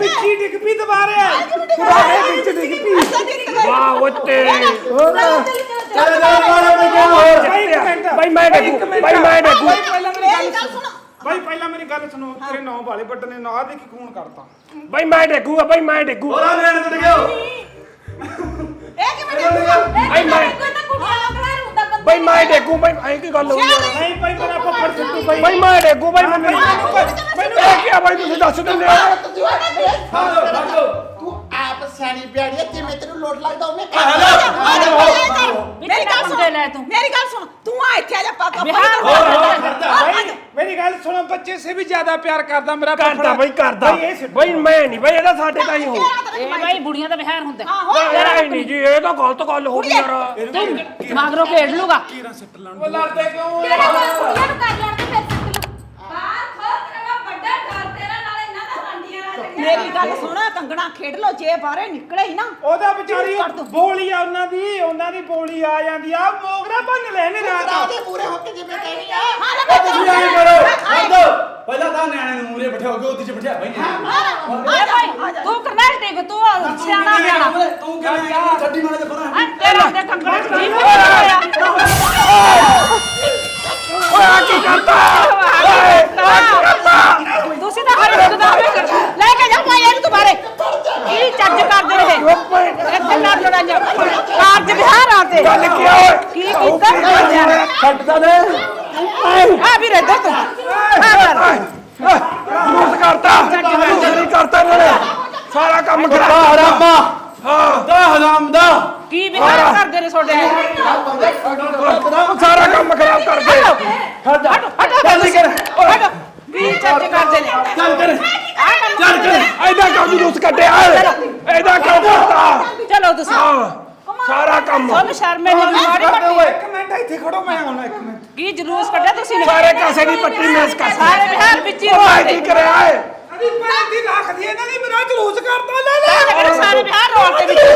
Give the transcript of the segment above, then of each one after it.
ਵਿੱਚੀ ਡਿੱਗ ਪਈ ਦੁਬਾਰੇ ਵਿੱਚ ਡਿੱਗ ਪਈ ਵਾਹ ਉੱਤੇ ਬਾਈ ਮੈਂ ਡਿੱਗੂ ਬਾਈ ਪਹਿਲਾਂ ਮੇਰੀ ਗੱਲ ਸੁਣੋ ਤੇਰੇ ਨੌ ਵਾਲੇ ਬੱਟ ਨੇ ਨਾ ਦੇਖੀ ਖੂਨ ਕਰਤਾ ਬਾਈ ਮੈਂ ਡਿੱਗੂਗਾ ਬਾਈ ਮੈਂ ਡਿੱਗੂ ਹੋਰਾ ਲੈਣ ਤੇ ਗਿਓ ਇਹ ਕਿਵੇਂ ਡਿੱਗੂਗਾ ਬਾਈ ਮੈਂ ਬਾਈ ਮੈਂ ਡਿੱਗੂ ਬਾਈ ਐ ਕੀ ਗੱਲ ਹੋਈ ਯਾਰ ਨਹੀਂ ਬਾਈ ਮੇਰਾ ਫੱਫੜ ਸਿੱਟੂ ਬਾਈ ਬਾਈ ਮੈਂ ਡਿੱਗੂ ਬਾਈ ਮੈਨੂੰ ਇਹ ਕੀ ਆ ਬਾਈ ਤੁਸੀਂ ਦੱਸ ਦਿੰਦੇ ਹੋ ਤੂੰ ਆਪ ਸਿਆਣੀ ਪਿਆੜੀ ਹੈ ਜਿਵੇਂ ਤੈਨੂੰ ਲੋਟ ਲੱਗਦਾ ਉਹਨੇ ਮੇਰੀ ਗੱਲ ਸੁਣ ਤੂੰ ਆ ਇੱਥੇ ਆ ਜਾ ਪਾਪਾ ਮੇਰੀ ਗੱਲ ਸੁਣੋ ਬੱਚੇ ਸੇ ਵੀ ਜ਼ਿਆਦਾ ਪਿਆਰ ਕਰਦਾ ਮੇਰਾ ਕਰਦਾ ਬਾਈ ਕਰਦਾ ਬਾਈ ਮੈਂ ਨਹੀਂ ਬਾਈ ਇਹਦਾ ਸਾਡੇ ਤਾਂ ਹੀ ਹੋ ਇਹ ਬਾਈ ਬੁੜੀਆਂ ਦਾ ਵਿਹਾਰ ਹੁੰਦਾ ਯਾਰ ਨਹੀਂ ਜੀ ਇਹ ਤਾਂ ਗਲਤ ਗੱਲ ਹੋ ਗਈ ਯਾਰ ਮਗਰੋਂ ਖੇਡ ਲੂਗਾ ਕੀਰਾਂ ਸਿੱਟ ਲੈਣ ਉਹ ਲੜਦੇ ਕਿਉਂ ਤੇਰਾ ਕੰਮ ਕੁੜੀਆਂ ਨੂੰ ਕਰ ਲੈਣ ਤੇ ਫਿਰ ਸਿੱਟ ਲੂ ਬਾਹਰ ਖੋਲ ਤੇਰਾ ਵੱਡਾ ਘਰ ਤੇਰਾ ਨਾਲੇ ਇਹਨਾਂ ਦਾ ਰੰਡੀਆਂ ਨਾਲ ਮੇਰੀ ਗੱਲ ਸੁਣ ਕੰਗਣਾ ਖੇਡ ਲੋ ਜੇ ਬਾਹਰੇ ਨਿਕਲੇ ਹੀ ਨਾ ਉਹਦਾ ਵਿਚਾਰੀ ਬੋਲੀ ਆ ਉਹਨਾਂ ਦੀ ਬੋਲੀ ਆ ਜਾਂਦੀ ਆ ਮੋਗਰਾ ਭੰਨ ਲੈਣੇ ਰਾਤ ਉਹਦੇ ਪੂਰੇ ਹੋ ਕੇ ਜਿਵੇਂ ਕਹਿਣੀ ਆ ਤੁਸੀਂ ਐਂ ਕਰੋ ਛੱਡੋ ਪਹਿਲਾਂ ਤਾਂ ਨਿਆਣੇ ਨੂੰ ਮੂਰੇ ਬਿਠਾਓਗੇ ਉਹਦੇ ਚ ਬਿਠਾ ਬਈ ਤੂੰ ਕਰਨੈਲ ਟੇਕ ਤੂੰ ਸਿਆਣਾ ਬਿਆਣਾ ਤੂੰ ਕਿਵੇਂ ਆ ਛੱਡੀ ਮਾਰੇ ਤੇ ਪਰਾਂ ਤੇਰਾ ਤੇ ਕੰਗਣਾ ਜੀਵ ਹੋਇਆ ਓਏ ਆ ਕੀ ਕਰਦਾ ਤੁਸੀਂ ਤਾਂ ਹਰ ਇੱਕ ਦਾ ਲੈ ਕੇ ਜਾ ਭਾਈ ਇਹਨੂੰ ਦੁਬਾਰੇ ਕੀ ਚੱਜ ਕਰਦੇ ਰਹੇ ਇੱਥੇ ਨਾ ਲੜਾਈਆਂ ਕਾਰਜ ਵਿਹਾਰ ਆਤੇ ਗੱਲ ਕੀ ਓਏ ਕੀ ਕੀਤਾ ਛੱਡਦਾ ਨੇ ਆ ਵੀ ਰਹਿ ਤੂੰ ਆ ਕਰ ਜਲੂਸ ਕਰਤਾ ਜਲੂਸ ਕਰਤਾ ਇਹਨਾਂ ਨੇ ਸਾਰਾ ਕੰਮ ਖਰਾਬ ਹਰਾਮਾ ਹਾਂ ਦਾ ਹਰਾਮ ਦਾ ਕੀ ਵਿਹਾਰ ਕਰਦੇ ਨੇ ਤੁਹਾਡੇ ਸਾਰਾ ਕੰਮ ਖਰਾਬ ਕਰ ਗਏ ਚੱਲ ਕਰ ਕੀ ਚੱਜ ਕਰਦੇ ਨੇ ਚੱਲ ਕਰ ਚੱਲ ਕਰ ਐਡਾ ਕੰਮ ਜਲੂਸ ਕੱਢਿਆ ਐਡਾ ਕੰਮ ਕਰਤਾ ਚਲੋ ਤੁਸੀਂ ਹਾਂ ਸਾਰਾ ਕੰਮ ਤੁਹਾਨੂੰ ਸ਼ਰਮ ਨਹੀਂ ਆਉਂਦੀ ਮਾੜੀ ਮੱਟੀ ਇੱਕ ਮਿੰਟ ਇੱਥੇ ਖੜੋ ਮੈਂ ਆਉਣਾ ਇੱਕ ਮਿੰਟ ਕੀ ਜਲੂਸ ਕੱਢਿਆ ਤੁਸੀਂ ਨੇ ਸਾਰੇ ਕਾਸੇ ਦੀ ਪੱਟੀ ਮੈਸ ਕਰ ਸਾਰੇ ਬਿਹਾਰ ਵਿੱਚ ਹੀ ਓਏ ਕੀ ਕਰਿਆ ਏ ਅਦੀ ਭੈਣ ਦੀ ਰੱਖਦੀ ਇਹਨਾਂ ਦੀ ਮੇਰਾ ਜਲੂਸ ਕਰਤਾ ਲੈ ਸਾਰੇ ਬਿਹਾਰ ਰੋਡ ਦੇ ਵਿੱਚ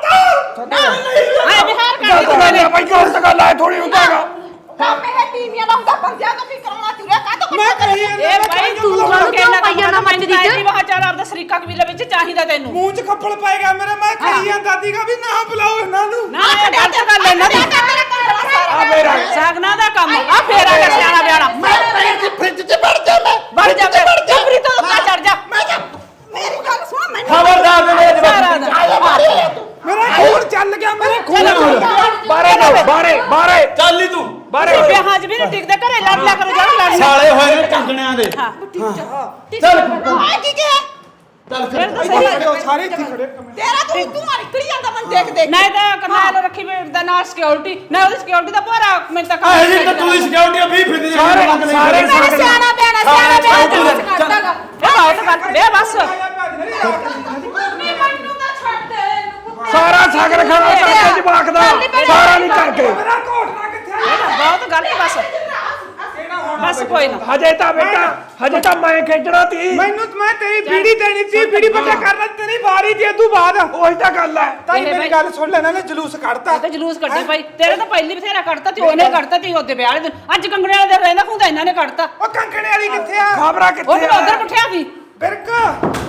ਆਏ ਬਿਹਾਰ ਕਰਦੇ ਨੇ ਭਾਈ ਗਲਤ ਗੱਲ ਆ ਥੋੜੀ ਹੁੰਦਾਗਾ ਕੰਮ ਇਹ ਟੀਵੀਆਂ ਦਾ ਹੁੰਦਾ ਬੰਦਿਆਂ ਤੋਂ ਵੀ ਕਰਾਉਣਾ ਤੁਰਿਆ ਕਾਹ ਤੋਂ ਮੈਂ ਕਹੀ ਇਹ ਭਾਈ ਤੂੰ ਕਾਹਨੂੰ ਕਹਿਣਾ ਪਈਆਂ ਨਾ ਮੰਨ ਦੀ ਵਾਹ ਚਾਰ ਆਪਦਾ ਸਰੀਕਾ ਕਬੀਲੇ ਵਿੱਚ ਚਾਹੀਦਾ ਤੈਨੂੰ ਮੂੰਹ 'ਚ ਖੱਪੜ ਪਾਏਗਾ ਮੇਰੇ ਮੈਂ ਕਹੀ ਜਾਂ ਦਾਦੀ ਕਾ ਵੀ ਨਾ ਬੁਲਾਓ ਇਹਨਾਂ ਨੂੰ ਨਾ ਇਹ ਗਲਤ ਗੱਲ ਇਹਨਾਂ ਦੀ ਆ ਮੇਰਾ ਸਾਗਨਾ ਦਾ ਕੰਮ ਆ ਫੇਰ ਆ ਗਿਆ ਸਿਆਣਾ ਬਿਆਣਾ ਮੈਂ ਪੈਰ ਦੀ ਫ੍ਰਿਜ 'ਚ ਵੜ ਜਾ ਮੈਂ ਵੜ ਜਾ ਚੁੱਪਰੀ ਤੋਂ ਉੱਤੇ ਚੜ ਜਾ ਮੇਰੀ ਗੱਲ ਸੁਣ ਮੈਨੂੰ ਖਬਰਦਾਰ ਦੇ ਸਾਰਾ ਦਾ ਮੇਰਾ ਖੂਨ ਚੱਲ ਗਿਆ ਮੇਰੇ ਖੂਨ ਬਾਰੇ ਜਾਓ ਬਾਰੇ ਚੱਲ ਨੀ ਤੂੰ ਬਾਰੇ ਵਿਆਹਾਂ 'ਚ ਵੀ ਨਹੀਂ ਟਿਕਦੇ ਘਰੇ ਲੜ ਲਿਆ ਕਰੋ ਜਿਹੜਾ ਲੜਨਾ ਸਾਲੇ ਹੋਏ ਨੇ ਕੰਗਣਿਆਂ ਦੇ ਹਾਂ ਚੱਲ ਆ ਕੀ ਗਿਆ ਚੱਲ ਫਿਰ ਤਾਂ ਇੱਥੇ ਸਹੀ ਖੜੇ ਹੋ ਸਾਰੇ ਇੱਥੇ ਖੜੇ ਇੱਕ ਮਿੰਟ ਤੇਰਾ ਤੂੰ ਨਿਕਲੀ ਜਾਂਦਾ ਮਨ ਦੇਖ ਦੇਖ ਨਹੀਂ ਤਾਂ ਕਰਨਾਲ ਰੱਖੀ ਦਾ ਨਾਲ ਸਿਕਿਉਰਿਟੀ ਨਾ ਉਹਦੀ ਸਿਕਿਉਰਿਟੀ ਦਾ ਭੋਰਾ ਮੈਨੂੰ ਤਾਂ ਇਹ ਜੀ ਤੂੰ ਦੀ ਸਿਕਿਉਰਿਟੀ 20 ਫਿਰਦੀ ਸਾਰੇ ਮੇਰਾ ਸਿਆਣਾ ਬਿਆਣਾ ਕਰਦਾਗਾ ਇਹ ਬਾਤ ਕਰ ਦੇ ਬਸ ਮੈਨੂੰ ਤਾਂ ਛੱਡ ਦੇ ਸਾਰਾ ਸਾਗਰ ਖਾਣਾ ਕਰਕੇ ਜਵਾਕ ਦਾ ਸਾਰਾ ਨਹੀਂ ਕਰਕੇ ਮੇਰਾ ਘੋਟਣਾ ਕਿੱਥੇ ਆ ਬਹੁਤ ਗਲਤ ਬਸ ਕੋਈ ਨਾ ਹਜੇ ਤਾਂ ਬੇਟਾ ਹਜੇ ਤਾਂ ਮੈਂ ਖੇਡਣਾ ਤੀ ਮੈਨੂੰ ਮੈਂ ਤੇਰੀ ਬੀੜੀ ਦੇਣੀ ਸੀ ਬੀੜੀ ਪੱਟਾ ਕਰਨਾ ਤੇਰੀ ਵਾਰੀ ਦੀ ਤੂੰ ਬਾਅਦ ਉਹੀ ਤਾਂ ਗੱਲ ਹੈ ਤਾਈ ਮੇਰੀ ਗੱਲ ਸੁਣ ਲੈ ਨਾ ਜਲੂਸ ਕੱਢਤਾ ਤੇ ਜਲੂਸ ਕੱਢੇ ਭਾਈ ਤੇਰੇ ਤਾਂ ਪਹਿਲੀ ਬਥੇਰਾ ਕੱਢਤਾ ਤੇ ਉਹਨੇ ਕੱਢਤਾ ਤੇ ਉਹਦੇ ਵਿਆਹ ਵਾਲੇ ਦਿਨ ਅੱਜ ਕੰਗਣੇ ਵਾਲੇ ਦਿਨ ਰਹਿੰਦਾ ਹੁੰਦਾ ਇਹਨਾਂ ਨੇ ਕੱਢਤਾ ਉਹ ਕੰਕਣੇ ਵਾਲੀ ਕਿੱਥੇ ਆ ਖਬਰਾਂ ਉਹ ਕਿੱਥੇ ਵੀ ਆ ਉਧਰ ਪੁੱਠਿਆ ਸੀ ਬਿਰਕ